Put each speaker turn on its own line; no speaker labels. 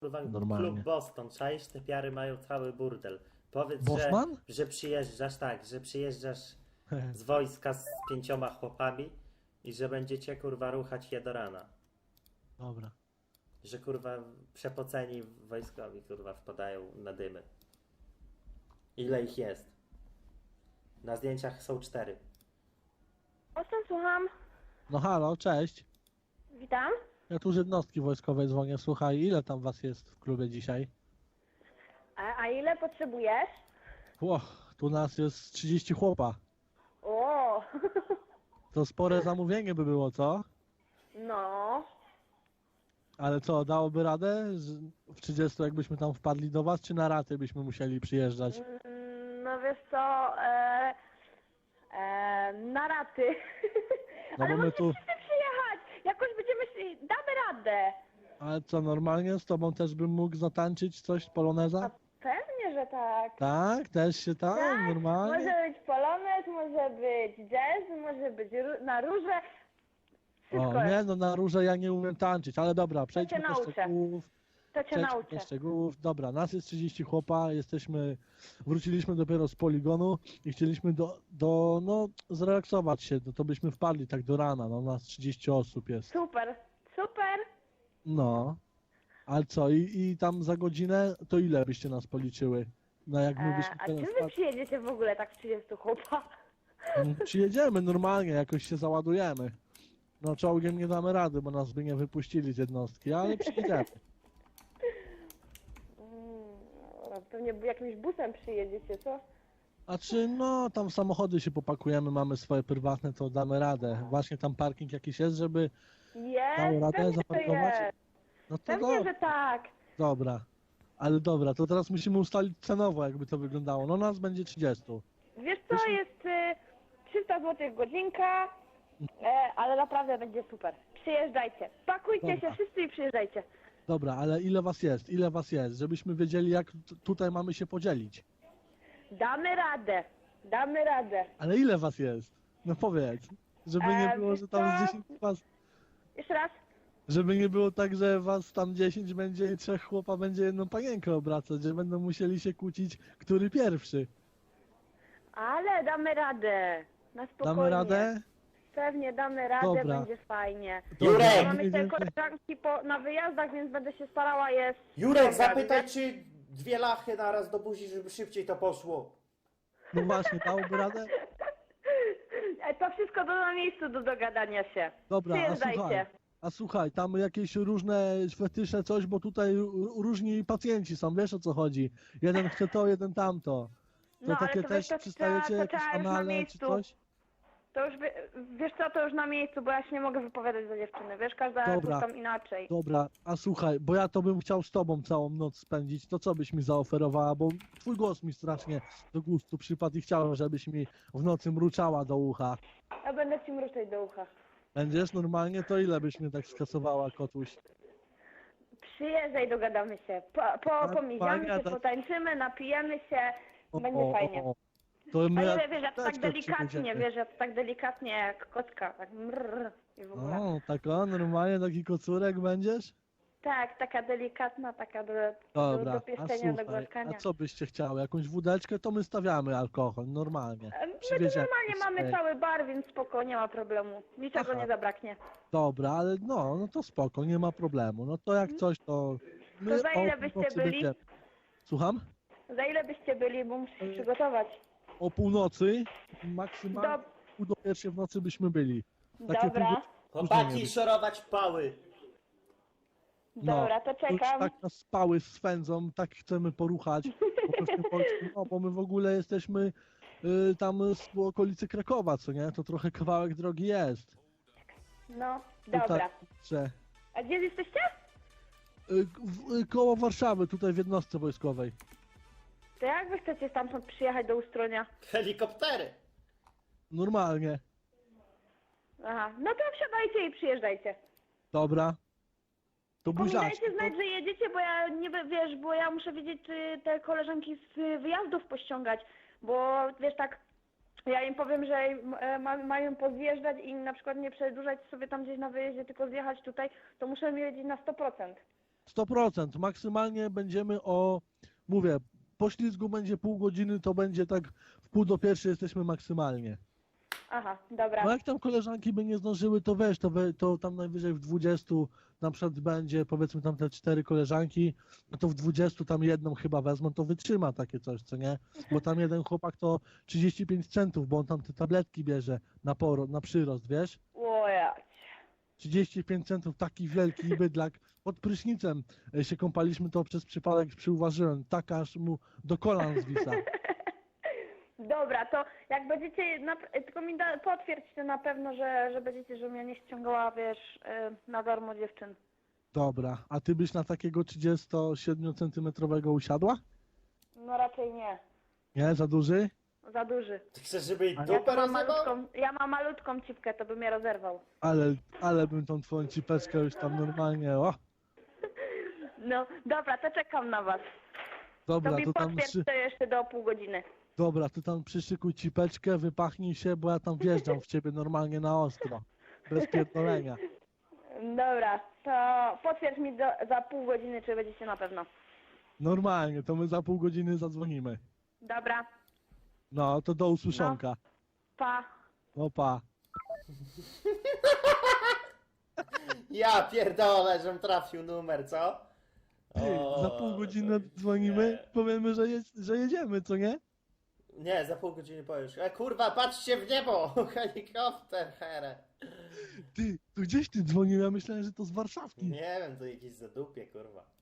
kurwa klub
Normalnie.
Boston, czaisz? Te piary mają cały burdel. Powiedz,
Bosman?
że przyjeżdżasz, tak, że przyjeżdżasz z wojska z 5 chłopami i że będziecie kurwa ruchać je do rana.
Dobra.
Że kurwa przepoceni wojskowi kurwa wpadają na dymy. Ile ich jest? Na zdjęciach są 4.
Ostem, słucham.
No halo, cześć.
Witam.
Ja tu z jednostki wojskowej dzwonię. Słuchaj, ile tam was jest w klubie dzisiaj?
A ile potrzebujesz?
Tu nas jest 30 chłopa.
O,
To spore zamówienie by było, co?
no.
Ale co, dałoby radę w 30 jakbyśmy tam wpadli do was, czy na raty byśmy musieli przyjeżdżać?
No wiesz co, na raty.
No
Ale
bo my
możecie
tu-
wszyscy przyjechać. Jakoś damy radę.
Ale co, normalnie z tobą też bym mógł zatańczyć coś,
A
poloneza?
pewnie, że tak.
Tak? Też się tam?
Tak,
Normalnie?
może być polonez, może być jazz, może być na róże. Wszystko
O, nie
jest.
no, na róże ja nie umiem tańczyć, ale dobra, przejdźmy
cię
do
nauczę.
szczegółów.
To cię
Przejdźmy
nauczę.
do szczegółów. Dobra, nas jest 30 chłopa, wróciliśmy dopiero z poligonu i chcieliśmy no, zrelaksować się, to byśmy wpadli tak do rana, no, nas 30 osób jest.
Super, super.
No, ale co, i tam za godzinę, to ile byście nas policzyły? No jak my byśmy
A
teraz
czy wy przyjedziecie w ogóle tak z 30 chłopa?
przyjedziemy normalnie, jakoś się załadujemy. No czołgiem nie damy rady, bo nas by nie wypuścili z jednostki, ale przyjedziemy.
Pewnie jakimś busem przyjedziecie, co?
A czy no tam samochody się popakujemy, mamy swoje prywatne, to damy radę. Właśnie tam parking jakiś jest, żeby dało
Jest,
radę
pewnie to
zaparkować?
jest.
No to
Pewnie, że tak.
dobra. Ale dobra, to teraz musimy ustalić cenowo, jakby to wyglądało. No nas będzie 30.
Wiesz co, jest 300 zł godzinka, ale naprawdę będzie super. Przyjeżdżajcie. Pakujcie
Dobra.
się wszyscy i przyjeżdżajcie.
Dobra, ale ile was jest? Ile was jest? Żebyśmy wiedzieli, jak tutaj mamy się podzielić.
Damy radę. Damy radę.
Ale ile was jest? No powiedz. Żeby nie było,
wiesz
że tam z
co?
10 was...
Jeszcze raz.
Żeby nie było tak, że was tam 10 będzie i 3 chłopa będzie jedną panienkę obracać, że będą musieli się kłócić, który pierwszy.
Ale damy radę. Na spokojnie.
Damy radę?
Pewnie damy radę,
Dobra.
będzie fajnie.
Jurek!
Ja mamy
mniej
te
więcej-
koleżanki na wyjazdach, więc będę się starała je...
Jurek, zapytaj, czy 2 lachy naraz do buzi, żeby szybciej to poszło.
No właśnie, dałoby radę?
To wszystko na miejscu do dogadania się.
Dobra,
Przyjeżdżajcie.
a słuchaj, tam jakieś różne fetysze, coś, bo tutaj różni pacjenci są, wiesz o co chodzi. Jeden chce to, jeden tamto. To
No, ale
takie
to
też
wiesz, to
przystajecie,
trzeba- to
jakieś
trzeba już na
anale czy
miejscu.
coś?
To już, wiesz co, to już na miejscu, bo ja się nie mogę wypowiadać za dziewczyny, wiesz, każda
Dobra.
coś tam inaczej.
Dobra, a słuchaj, bo ja to bym chciał z tobą całą noc spędzić, to co byś mi zaoferowała, bo twój głos mi strasznie do gustu przypadł i chciałem, żebyś mi w nocy mruczała do ucha.
Ja będę ci mruczeć do ucha.
Będziesz normalnie, to ile byś mnie tak skasowała, kotuś?
Przyjeżdżaj, dogadamy się. Pomiziamy się,
fajnie, tak.
potańczymy, napijemy się, będzie fajnie.
To my
Ale wiesz, ja to tak
apteczkę
delikatnie,
przybędziemy.
wiesz, ja to tak delikatnie jak kocka, tak mrrr i w ogóle.
O, tak o, normalnie taki kocurek będziesz?
Tak, taka delikatna, taka do
Dobra,
pieszczenia, do
słuchaj,
głaskania.
a co byście chciały? Jakąś wódeczkę, to my stawiamy alkohol, normalnie.
My tu
Przywieziemy
normalnie mamy
sobie.
cały bar, więc spoko, nie ma problemu. Niczego
Aha.
nie zabraknie.
Dobra, ale no to spoko, nie ma problemu. No to jak coś, to my
To za ile
o
byście
północy
byli?
będziemy. Słucham?
Za ile byście byli, bo muszę się przygotować.
O północy, maksymalnie pół do pierwszej w nocy byśmy byli. Takie
Dobra,
później
Chłopaki,
być.
szorować pały.
dobra, to
już
czekam.
tak nas spały swędzą, tak chcemy poruchać po tym polskim, no bo my w ogóle jesteśmy tam z okolicy Krakowa, co nie? To trochę kawałek drogi jest.
No,
Tutaj,
dobra.
że,
A gdzie jesteście?
koło Warszawy, tutaj w jednostce wojskowej.
To jak wy chcecie stamtąd przyjechać do Ustronia?
Helikoptery.
Normalnie.
Aha, no to wsiadajcie i przyjeżdżajcie.
Dobra. To buziaczki.
Pamiętajcie znać, że jedziecie, bo ja nie wiesz, bo ja muszę wiedzieć, czy te koleżanki z wyjazdów pościągać, bo wiesz tak, ja im powiem, że mają pozjeżdżać i na przykład nie przedłużać sobie tam gdzieś na wyjeździe, tylko zjechać tutaj, to muszę wiedzieć na 100%.
100%. Maksymalnie będziemy mówię, po ślizgu będzie pół godziny, to będzie tak w pół do pierwszej jesteśmy maksymalnie.
Aha, dobra.
No jak tam koleżanki by nie zdążyły, to wiesz, to tam najwyżej w 20 na przykład będzie, powiedzmy tam te 4 koleżanki, no to w 20 tam jedną chyba wezmą, to wytrzyma takie coś, co nie? Bo tam jeden chłopak to 35 centów, bo on tam te tabletki bierze na przyrost, wiesz?
Ojej.
35 centów, taki wielki bydlak. Pod prysznicem się kąpaliśmy, to przez przypadek przyuważyłem, tak aż mu do kolan zwisa.
Dobra, to jak będziecie, tylko mi potwierdźcie na pewno, że będziecie, żebym ja nie ściągała, wiesz, na darmo dziewczyn.
Dobra, a ty byś na takiego 37 centymetrowego usiadła?
No raczej nie.
Nie, za duży?
Za duży.
Ty chcesz, żeby jej
A
dupę rozjebał?
Ja mam malutką cipkę, to by mnie rozerwał.
Ale bym tą twoją cipeczkę już tam normalnie,
No, dobra, to czekam na was.
Dobra,
To mi
to tam
potwierdź to jeszcze do pół godziny.
dobra, to tam przyszykuj cipeczkę, wypachnij się, bo ja tam wjeżdżam w ciebie normalnie na ostro. Bez pierdolenia.
Dobra, to potwierdź mi za pół godziny, czy będziecie na pewno.
Normalnie, to my za pół godziny zadzwonimy.
Dobra,
No, to do usłyszonka.
pa.
No pa.
Ja pierdolę, żem trafił numer, co?
Ty, za pół godziny dzwonimy, powiemy, że jedziemy, co nie?
Nie, za pół godziny powiesz. Kurwa, patrzcie w niebo! Helikopter, here.
Ty, tu gdzieś ty dzwonił, ja myślałem, że to z Warszawki.
Nie wiem, to jakieś zadupie, kurwa.